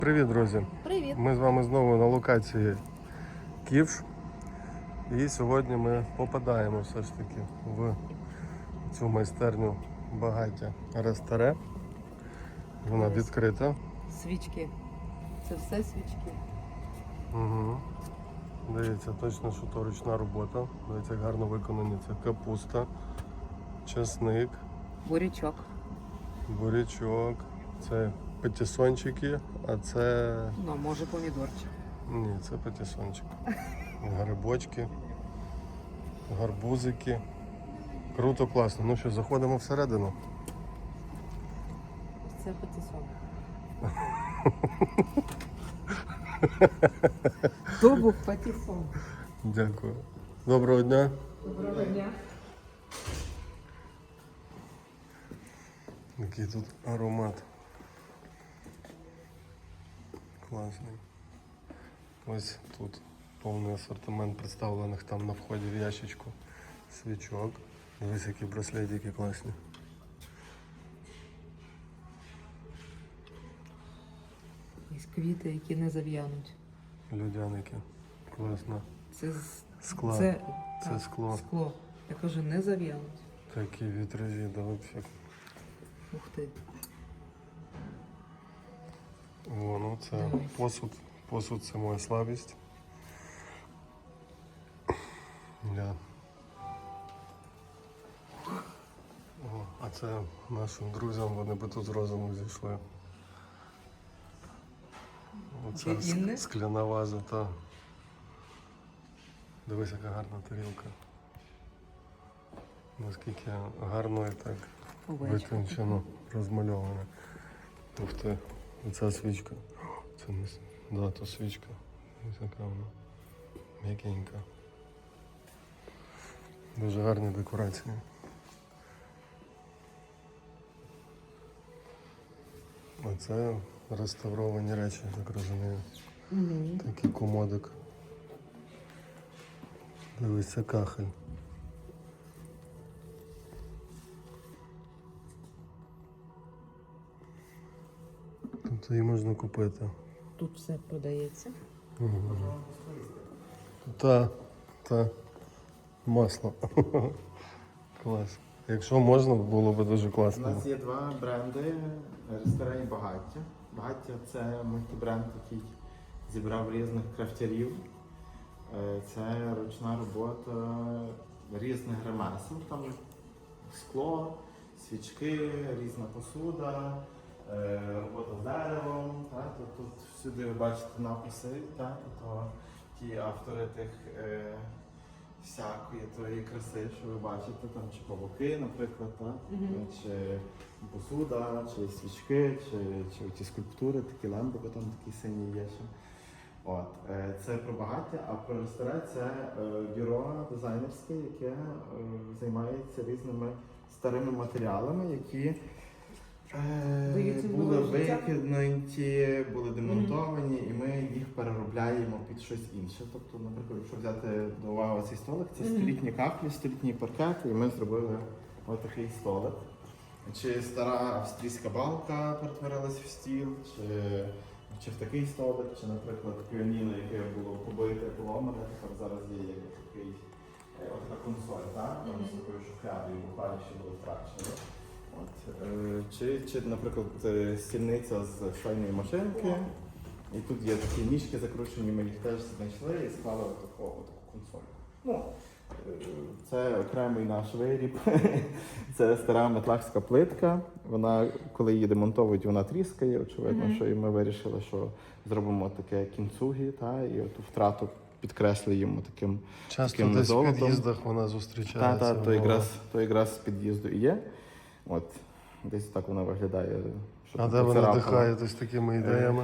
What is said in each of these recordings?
Привіт, друзі! Привіт! Ми з вами знову на локації Ківш. І сьогодні ми попадаємо все ж таки в цю майстерню багаття Ресторе. Вона відкрита. Свічки. Це все свічки. Угу. Дивіться, точно, що то ручна робота. Дивіться, як гарно виконані. Це капуста, чесник, Бурячок. бурячок, це патісончики, а це... Ну, може помідорчик. Ні, це патісончик. Грибочки, гарбузики. Круто, класно. Ну що, заходимо всередину. Це патісон. То був патісон. Дякую. Доброго дня. Доброго дня. Який тут аромат. Класний. Ось тут повний асортимент представлених там на вході в ящичку свічок. Дивись, які браслетики класні. Ось квіти, які не зав'януть. Людяники. Класно. Це Скла. Це Це скло. Скло. Я кажу, не зав'януть. Такі вітражі, да взагалі. Ух ти. О, ну це Дивись. посуд. Посуд це моя слабість. Да. О, а це нашим друзям, вони би тут з розуму зійшли. Оце Для Інни? скляна ваза, та. Дивись, яка гарна тарілка. Наскільки гарно і так Овечка. витончено розмальовано. Ух ти, оця свічка. Це не да, то свічка. Ось така вона. М'якенька. Дуже гарні декорації. А це реставровані речі, так розумію. Угу. Такий комодик. Дивись, це кахель. Тут її можна купити. Тут все продається. Та масло. Клас. Якщо можна, було б дуже У класно. нас є два бренди ресторані Багаття. Багаття це мультибренд, який зібрав різних крафтярів. Це ручна робота різних ремесел. Там скло, свічки, різна посуда, робота з деревом. Тут всюди ви бачите написи, то ті автори тих всякої тої краси, що ви бачите, там чи павуки, наприклад, чи посуда, чи свічки, чи ті скульптури, такі ламби, там такі сині є ще. От. Це про багаття, а про ресторан це бюро дизайнерське, яке займається різними старими матеріалами, які були викинуті, були демонтовані, і ми їх переробляємо під щось інше. Тобто, наприклад, якщо взяти до уваги цей столик, це столітні кахлі, столітні паркети, і ми зробили отакий столик. Чи стара австрійська балка перетворилась в стіл, чи в такий столик, чи, наприклад, піаніно, яке було побите, поломане, тепер зараз є такий, така консоль, так? З такою шухлядою, буквально ще було втрачено. Чи, наприклад, стільниця з швейної машинки, і тут є такі ніжки закручені, ми їх теж знайшли і склали таку консоль. Ну, це окремий наш виріб. Це стара метлахська плитка. Вона, коли її демонтовують, вона тріскає. Очевидно, що і ми вирішили, що зробимо таке кінцугі, і оту втрату підкреслюємо таким Часто золотом. десь в під'їздах вона зустрічається. То якраз з під'їзду і є. От, десь так вона виглядає. А де ви надихаєтесь такими ідеями?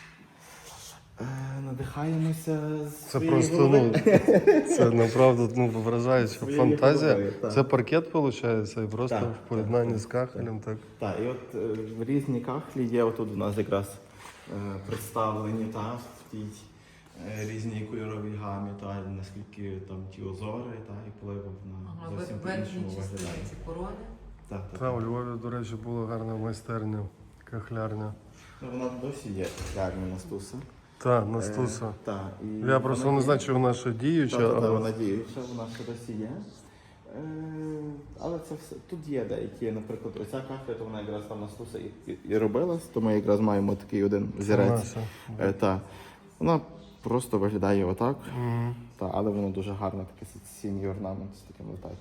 Надихаємося з Це своєї просто, голови. це направду вражаюча Своєї фантазія. голови, так. Це паркет, виходить, і просто Так, в поєднанні так, з кахелем, так? Так, і от різні кахлі є, отут у нас якраз представлені, в тій різній кольоровій гамі, наскільки там ті озори, і впливу на зовсім по-іншому виглядає. Ці корони. Та, у Львові, до речі, була гарна майстерня, кахлярня. Ну, вона досі є реальна Настуса. Та, Настуса. Так. Я просто не знаю, чи вона ще діюча, Та, але вона діюча, вона ще досі є. Але це все. Тут є деякі, наприклад, оця кафля, то вона якраз там Настуса і робилась, то ми якраз маємо такий один зірець. Та. Вона просто виглядає отак, але воно дуже гарно, такий синій орнамент з таким летать.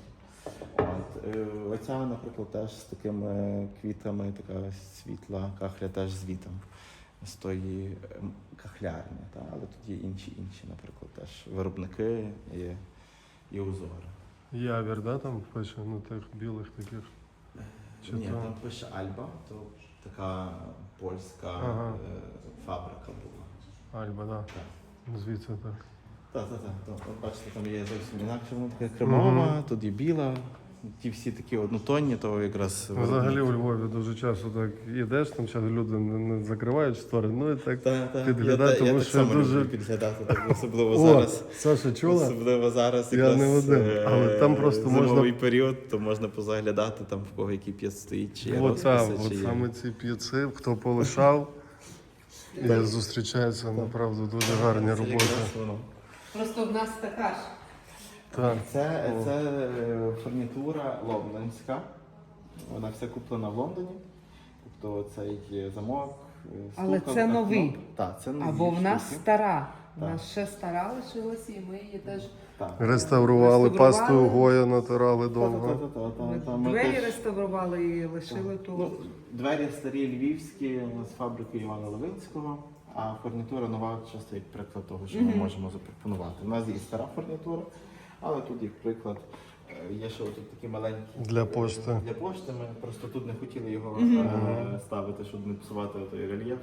Оця, наприклад, теж з такими квітами, така світла кахля теж з вітом. З тої кахлярні, але тут є інші, наприклад, теж виробники і узори. Явір, да, там пише, ну тих білих таких. Чи Ні, то? там пише Альба, то така польська фабрика була. Альба, да. Так. Звідси так. Так. От бачите, там є зовсім інакше, вона така кремова, тут є біла. Ті всі такі однотонні, то якраз... Взагалі у Львові дуже часто так йдеш, там часто люди не закривають штори, ну і так підглядати, тому що дуже... підглядати, так, особливо О, зараз. Саша, чула? Особливо зараз Я якраз не один, але там просто зимовий можна... період, то можна позаглядати, там в кого який п'єц стоїть, чи є От там, розписи, от чи є. саме ці п'єци, хто полишав, і зустрічаються, направду, дуже гарні Це роботи. якраз воно. Просто в нас така ж. Так. Це фурнітура лондонська. Вона вся куплена в Лондоні. Тобто цей замок. Але стукав, це окно. новий. Так, це нові Або в нас штуки. стара. У Так. нас ще стара лишилася, і ми її теж Так. Реставрували, пастою Гоя натирали довго. Ми двері теж- реставрували і лишили ту. Ну, двері старі львівські з фабрики Івана Левинського, а фурнітура нова часто як приклад того, що ми можемо запропонувати. У нас є і стара фурнітура, але тут як приклад є ще тут такі маленькі Для пошти. Для пошти ми просто тут не хотіли його ставити, щоб не псувати той рельєф.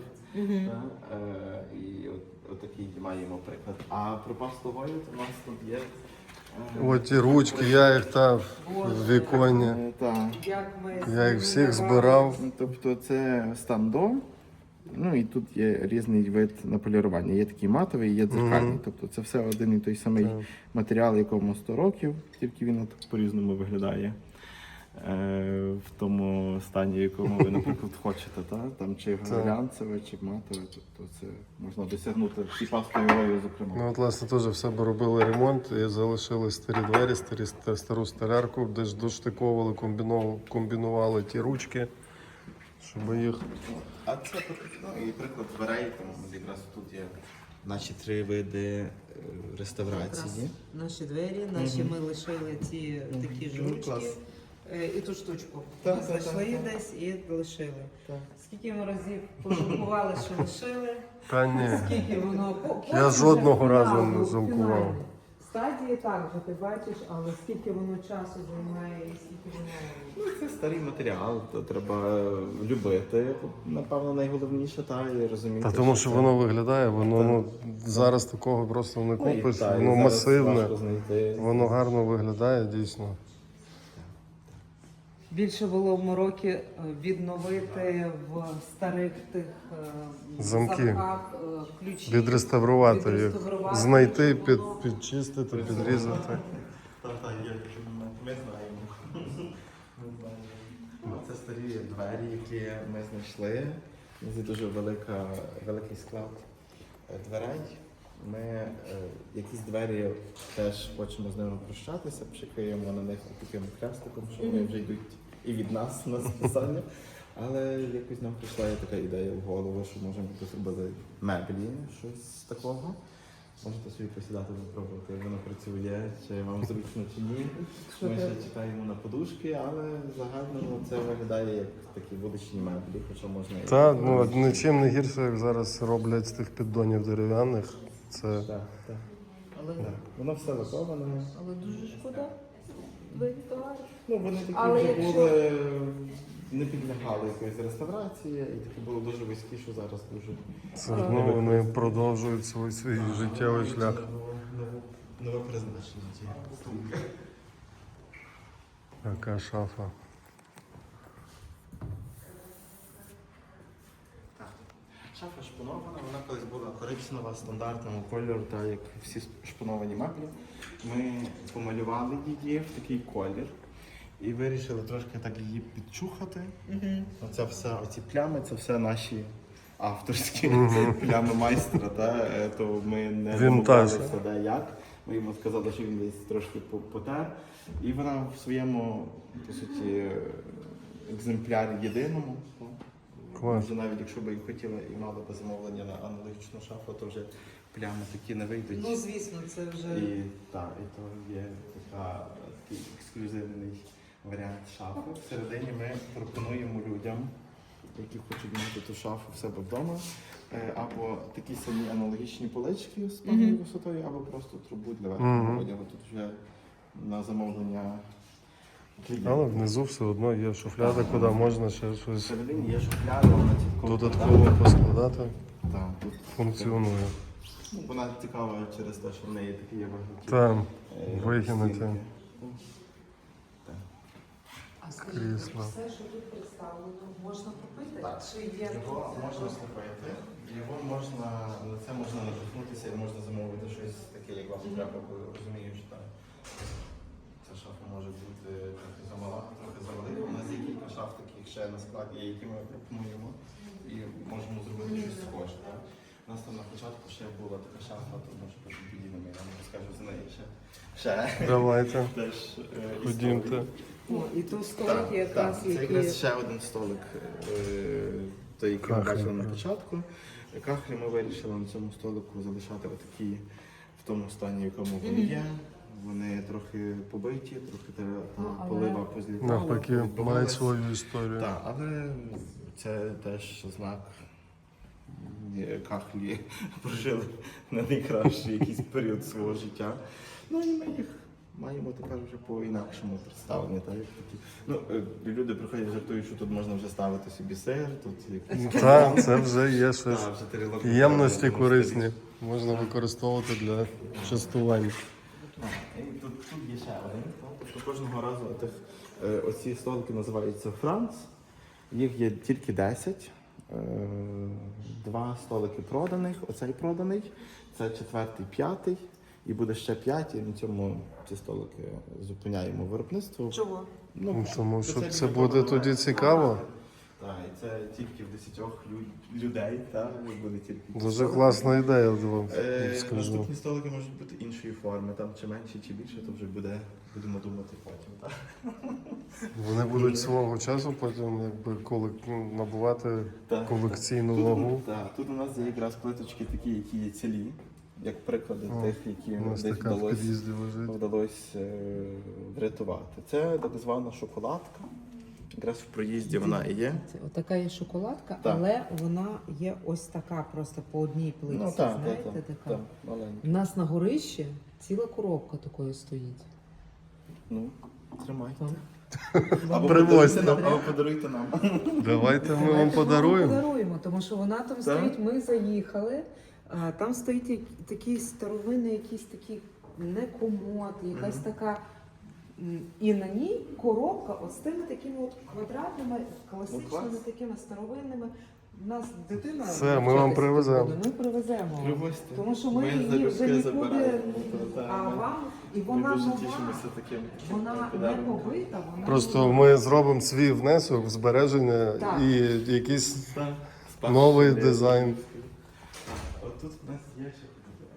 І отакий маємо приклад. А про пасту Гою у нас тут є. От ті ручки, я їх там в віконі. Так. Як ми Я їх всіх збирав. Тобто це стандо. Ну і тут є різний вид на полірування. Є такий матовий, є дзеркальний. Тобто це все один і той самий матеріал, якому 100 років, тільки він от по-різному виглядає. В тому стані, в якому ви, наприклад, хочете. Там чи глянцеве, чи матове. Тобто це можна досягнути і пастою Гою, зокрема. Ну от, власне, теж в себе робили ремонт і залишили старі двері, стару столярку, де ж доштиковували, комбінували ті ручки, щоб їх... А це і приклад дверей, там якраз тут є наші 3 види реставрації. Наші двері, наші ми лишили ці такі жучки. Клас. І ту штучку. Так, Ми так, знайшли так. десь і лишили. Так. Скільки ми разів пожалкували, що лишили, Та ні. скільки воно... Я жодного разу не жалкував. Стадії так же, ти бачиш, але скільки воно часу займає і скільки воно... Ну, це старий матеріал, то треба любити, напевно, найголовніше, і розуміти. Та тому що це- воно виглядає, воно зараз такого просто не Ну, і купиш, та, і воно зараз масивне, важко знайти. воно гарно виглядає дійсно. Більше було в Морокі відновити в старих тих Замки. замках ключі. Відреставрувати їх, відреставрувати, знайти, щоб воно- підчистити, підрізати. Так, є, ми знаємо. Ми знаємо. Це старі двері, які ми знайшли. Це дуже великий склад дверей. Ми якісь двері теж хочемо з ними прощатися, пшикаємо на них таким хрестиком, що вони вже йдуть і від нас на списання. Але якось нам прийшла така ідея в голову, що можемо зробити меблі, щось такого. Можете собі посідати, попробувати, як воно працює, чи вам зручно, чи ні. Ми ще чекаємо на подушки, але загально це виглядає як такі вуличні меблі, хоча можна і... Та, ну нічим не гірше, як зараз роблять з тих піддонів дерев'яних. Це Так. Але, Воно все лаковане. але дуже шкода. Двері товари. Ну, вони такі Але вже якщо- були, не підлягали якоїсь реставрації, і такі були дуже вузькі, що зараз дуже... ну, вони продовжують свій життєвий шлях. Нове призначення цієї штуки. Яка шафа. Шафа шпонована, вона колись була коричнева, стандартного кольору, так як всі шпоновані меблі. Ми помалювали її в такий колір і вирішили трошки так її підчухати. Оця все, оці плями, це все наші авторські плями майстра, то ми не Вінтаж. домовлялися, де як. Ми йому сказали, що він десь трошки потер. І вона в своєму, по суті, екземплярі єдиному. Клас. Вже навіть якщо б і хотіла і мала б замовлення на аналогічну шафу, то вже плями такі не вийдуть. Ну, звісно, це вже. І то є такий ексклюзивний варіант шафи. Всередині ми пропонуємо людям, які хочуть мати ту шафу в себе вдома, або такі самі аналогічні полички з певною висотою, або просто трубу для верхнього одягу. Тут вже на замовлення клієнта. Але внизу все одно є шуфляда, куди можна ще щось Всередині є шухляда, вона чітко додатково поскладати. Так, тут Функціонує. вона цікава через те, що в неї такі є вигнуті. Там е, вигинуті. стінки. А скажіть, Крісло. все, що тут представлено, можна купити? Так. Чи є Його можна слухати, його можна, на це можна надихнутися і можна замовити щось таке, як вам треба, бо розумію, що там ця шафа може бути трохи замала, трохи завелика. У нас є кілька шаф таких ще на складі, які ми пропонуємо і можемо зробити щось схоже. Так? У нас там на початку ще була така шафа, то може потім підійдемо, я вам розкажу за неї ще. Давайте, Теж ходімте. О, і тут столики якраз, це які. якраз ще один столик, той, який ми Кахлі. бачили на початку. Кахлі ми вирішили на цьому столику залишати отакі в тому стані, в якому вони є. Вони трохи побиті, трохи але- полива позлітала. Навпаки, мають відбивалась. свою історію. Так, але це теж знак. Кахлі прожили не найкращий якийсь період свого життя. Ну і ми їх маємо тепер вже по-інакшому представлені. Так? Як такі. Ну, люди приходять, жартують, що тут можна вже ставити собі сир, тут якісь Так, це вже є щось. Та, вже тарілок Ємності треба, корисні. Можна використовувати для частувань. І тут є ще один. Тобто кожного разу оці столики називаються Франц. Їх є тільки 10. 2 столики проданих, оцей проданий, це 4-й, 5-й, і буде ще 5, і на цьому ці столики зупиняємо виробництво. Чого? Ну, тому що це спеціально буде тоді формат. цікаво. Так, і це тільки в 10 людей, так, буде тільки. Дуже класна ідея, вам скажу. Наступні столики можуть бути іншої форми, там чи менше, чи більше, то вже будемо думати потім. Так? Вони будуть свого часу потім набувати Так. колекційну вагу. Так, тут у нас є якраз плиточки такі, які є цілі, як приклади О, тих, які У нас десь така в вдалося. під'їзді лежить. Вдалося врятувати. Це так звана шоколадка. Якраз в проїзді вона і є. Це отака є шоколадка, Так. але вона є ось така, просто по одній плитці. Ну так, знаєте, так, така. так, маленька. У нас на горищі ціла коробка такої стоїть. Ну, тримайте. Там. Або Привозьте. подаруйте нам. Давайте ми вам Давайте подаруємо. подаруємо, тому що вона там стоїть, ми заїхали, а там стоїть такий старовинний, якийсь такий не комод, якась така. І на ній коробка от з тими такими от квадратними, класичними клас. такими старовинними. У нас дитина. Все, ми навчатися вам привеземо. буде, Ми привеземо. вам. Привозьте. Тому що ми Ми її залюбки вже нікуди, забираємо. а Ми- вам, і Ми вона дуже нова, тішимося таким. вона не подарунком. побита, вона Просто нова. ми зробимо свій внесок в збереження Так. і якийсь Так, новий спасибі. дизайн. От тут у нас є ще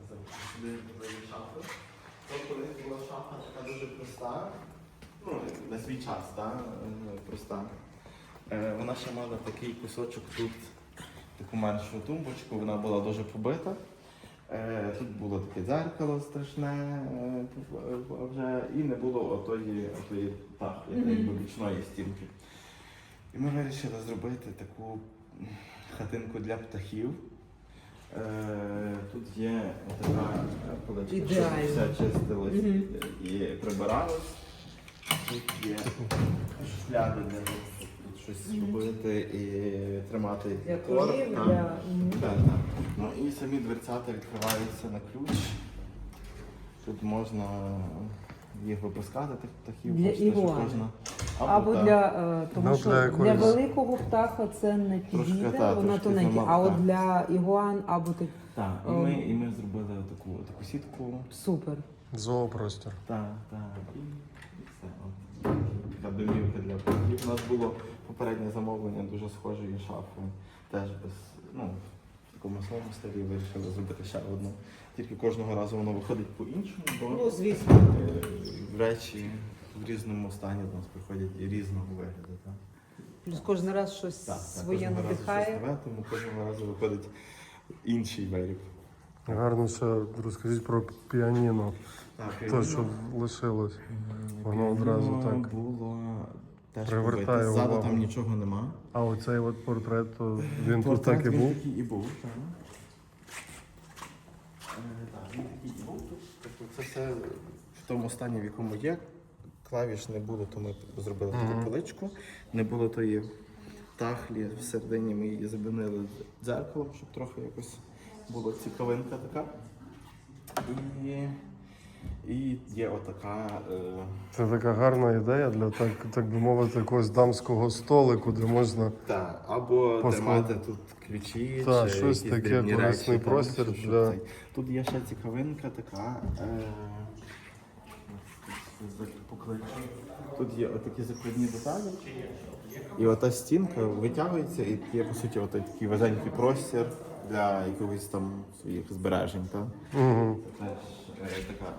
шафа. Тобто колись була шафа така дуже проста, ну, на свій час, так, проста. Вона ще мала такий кусочок тут, таку меншу тумбочку, вона була дуже побита. Тут було таке дзеркало страшне вже, і не було отої якби бічної стінки. І ми вирішили зробити таку хатинку для птахів. Тут є така поличка, щоб Ідеально. все чистилось і прибиралось. Тут є шухляди для того, щоб тут щось робити і тримати Для корм. корів, Так. для... Так. Ну і самі дверцята відкриваються на ключ. Тут можна їх випускати, тих птахів. Для бачите, що ігуани. кожна- Або так. для, тому Ну, що для для, якоїсь- великого птаха це не Трошки, підійде, так, вона трошки тоненька. замало, А от так. для ігуан або так Так, і ми зробили таку сітку. супер. Зоопростір. Так, і все. От, така домівка для птахів. У нас було попереднє замовлення дуже схожої шафи, теж без ну, в такому самому стилі вирішили зробити ще одну. Тільки кожного разу воно виходить по-іншому, бо Ну, звісно. речі в різному стані до нас приходять і різного вигляду. Так? Плюс кожен раз щось Так, своє кожного разу надихає. щось нове, тому кожного разу виходить інший виріб. Гарно ще розкажіть про піаніно. Так, Те, що лишилось. Воно одразу так було теж привертає побите. Ззаду увагу. там нічого нема. А оцей от портрет, то він тут Портрет так і він був. такий і був, так. Так, він такий і був тут. Тобто це все в тому стані, в якому є. Клавіш не було, то ми зробили таку поличку. Не було тої тахлі всередині, ми її замінили дзеркалом, щоб трохи якось була цікавинка така. І є отака. Це така гарна ідея для, так би мовити, якогось дамського столику, де можна Або Посклад- тримати тут ключі, Та, чи щось якісь таке, дрібні корисний речі, простір так, щоб для- цей. Тут є ще цікавинка така. Покличу. Тут є отакі закладні деталі. І ота стінка витягується і є, по суті, такий вузенький простір для якогось там своїх збережень. Так? Угу. Теж така,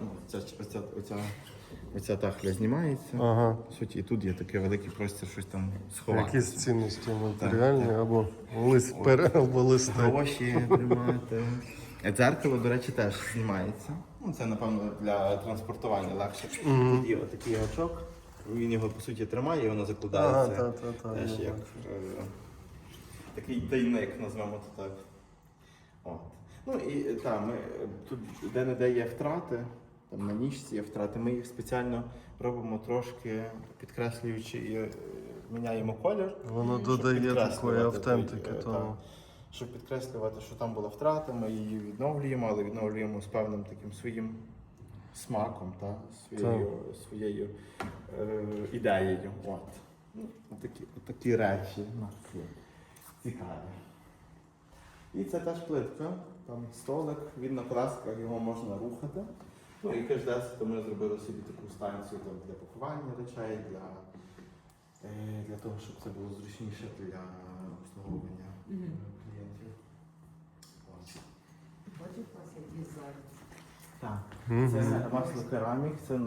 оця тахля знімається. Ага. По суті, і тут є такий великий простір, щось там сховати. Якісь цінності матеріальні або або листи. Гроші тримати. Дзеркало, до речі, теж знімається. Ну, це, напевно, для транспортування легше. Тут є отакий гачок, він його, по суті, тримає і воно закладається. Ага, Теж я як такий тайник, назвемо то так. От. Ну і ми тут де-не-де є втрати, там на ніжці є втрати, ми їх спеціально робимо трошки, підкреслюючи і міняємо колір. Воно щоб додає підкреслювати такої автентики той, тому. щоб підкреслювати, що там була втрата, ми її відновлюємо, але відновлюємо з певним таким своїм смаком, своєю ідеєю. От. Ну, такі речі у нас є цікаві. І це теж плитка, там столик, він на колесках, його можна рухати. Ну і то ми зробили собі таку станцію там, для пакування речей, для того, щоб це було зручніше для обслуговування клієнтів. Ось. Бачиш, у вас є дизайн. Так. Мгм. Це масло керамік, це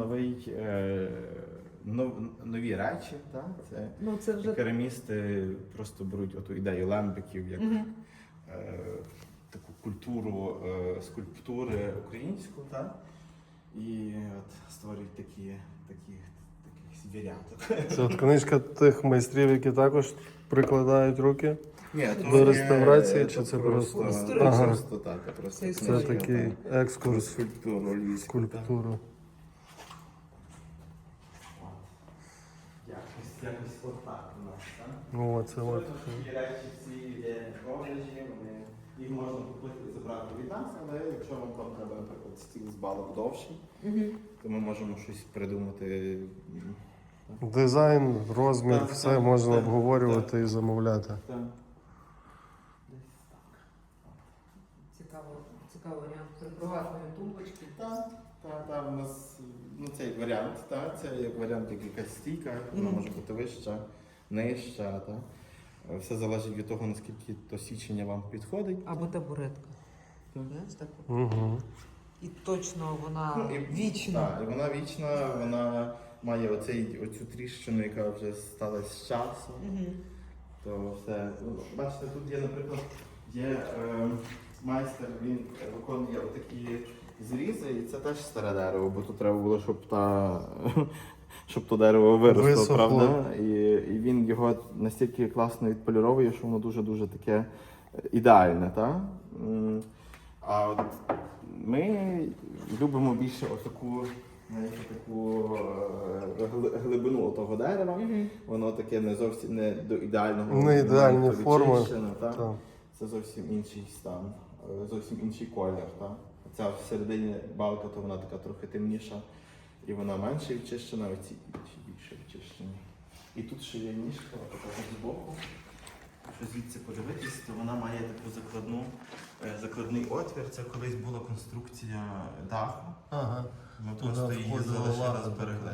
нові речі. Так? Це Ну, це вже керамісти просто беруть оту ідею лембиків як таку культуру скульптури українську, так? І от створюють таких звіряток. Це от книжка тих майстрів, які також прикладають руки. Ні, До реставрації чи це просто? Ага. Просто так, просто Це Це книжка, такий так. екскурс в Скульптуру львівську. скульптуру. Якось отак у нас, так? Ну, оце от. Такі речі всі є в продажі, їх можна купити і забрати від нас, але якщо вам там треба, наприклад, стіл з балок довший, то ми можемо щось придумати. Дизайн, розмір, Так, все так, можна так, обговорювати і замовляти. Так. цікавий варіант приватної тумбочки. Так, у нас цей варіант, це як варіант, як якась стійка, вона може бути вища, нижча. Все залежить від того, наскільки то січення вам підходить. Або табуретка. Знаєш, так? Угу. І точно вона І вічна. Так, і вона вічна, вона має оцю тріщину, яка вже сталася з часом. То все. Бачите, тут є, наприклад, майстер, він виконує отакі зрізи, і це теж старе дерево, бо тут треба було, щоб то дерево виросло, Висохло. правда? І він його настільки класно відполіровує, що воно дуже-дуже таке ідеальне. Та? А от ми любимо більше отаку глибину того дерева. Воно таке не зовсім не до ідеального. Не ідеальні моменту форми. відчищено, та? Так. Це зовсім інший стан, зовсім інший колір. Та? Ця всередині балка, то вона така трохи темніша, і вона менше відчищена, а ці інші більше відчищені. І тут ще є ніжка, така збоку. Якщо звідси подивитись, то вона має таку закладний отвір. Це колись була конструкція даху. Ага. Ми Туди просто її входила залишили, лава. зберегли.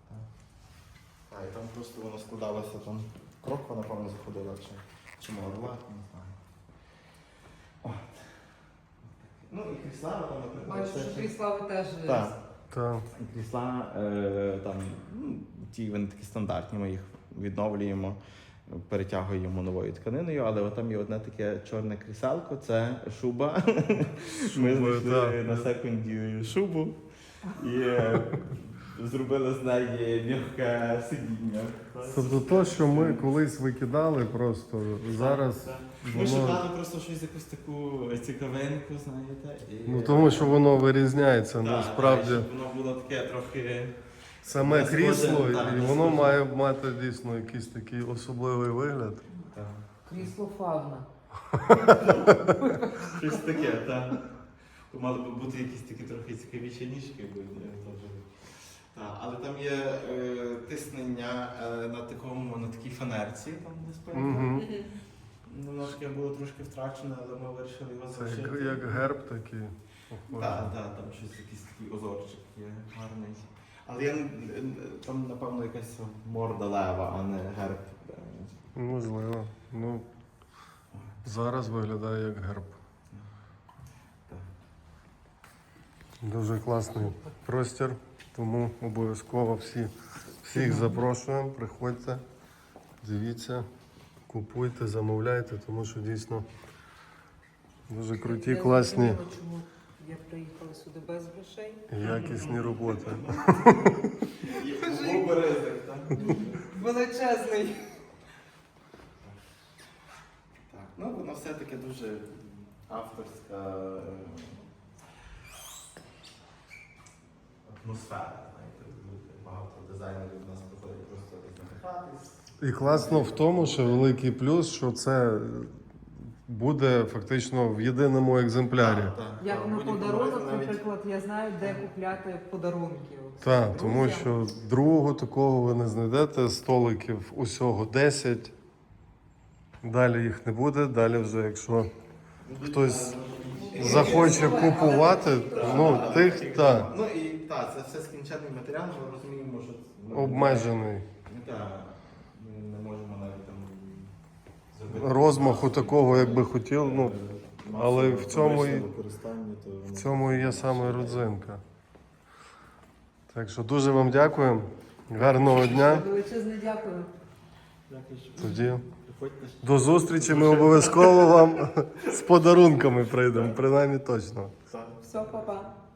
І там просто воно складалося, там кроква, напевно, заходила, чи морла, не знаю. Ну і крісла, там, наприклад, Бачу, що крісла ви теж Так. Та. Крісла, там, ті вони такі стандартні, ми їх відновлюємо, перетягуємо новою тканиною, але от там є одне таке чорне кріселко, це шуба. Ми Шубою, знайшли так. на секунді шубу і зробили з неї м'яке сидіння. Тобто то, що ми колись викидали просто, зараз Ми воно... шукали просто щось, якусь таку цікавинку, знаєте. І... Ну тому що воно вирізняється, Так, насправді. так, щоб воно було таке трохи... Саме не крісло, схоже, так, і не воно схоже. має мати дійсно якийсь такий особливий вигляд. Так. крісло фавна. Щось таке, так. То мали б бути якісь такі трохи цікавіші ніжки, бо так. Але там є тиснення на такій фанерці, там де спинка. Угу. Воно таке було трошки втрачене, але ми вирішили його Це залишити. як герб такий. Так, там щось якийсь такий озорчик є гарний. Але там, напевно, якась морда лева, а не герб. Можливо. Ну, зараз виглядає як герб. Так. Дуже класний простір, тому обов'язково всіх запрошуємо, приходьте, дивіться, купуйте, замовляйте, тому що дійсно дуже круті, Я класні зрозуміла, чому я приїхала сюди без грошей. і якісні роботи. Був би ризик, так? Величезний. Так, ну воно все-таки дуже авторська атмосфера. Знаєте, багато дизайнерів у нас приходять просто так надихатись. І класно в тому, що великий плюс, що це буде фактично в єдиному екземплярі. Як на будь-якому подарунок, разі навіть- наприклад, я знаю, де купляти подарунки. Так, тому Друзям. що другого такого ви не знайдете, столиків усього 10. Далі їх не буде, далі вже якщо хтось захоче купувати, ну тих так, Ну і так, це все скінчений матеріал, ми розуміємо, що обмежений. Так, ми не можемо навіть там зробити Розмаху такого, як би хотів, ну, але в цьому і- використання, то в цьому і є саме родзинка. Так що дуже вам дякую, гарного дня. Величезне дякую. Дякую, що Тоді приходьте. до зустрічі, ми обов'язково вам з подарунками прийдемо, принаймні точно. Все, па-па.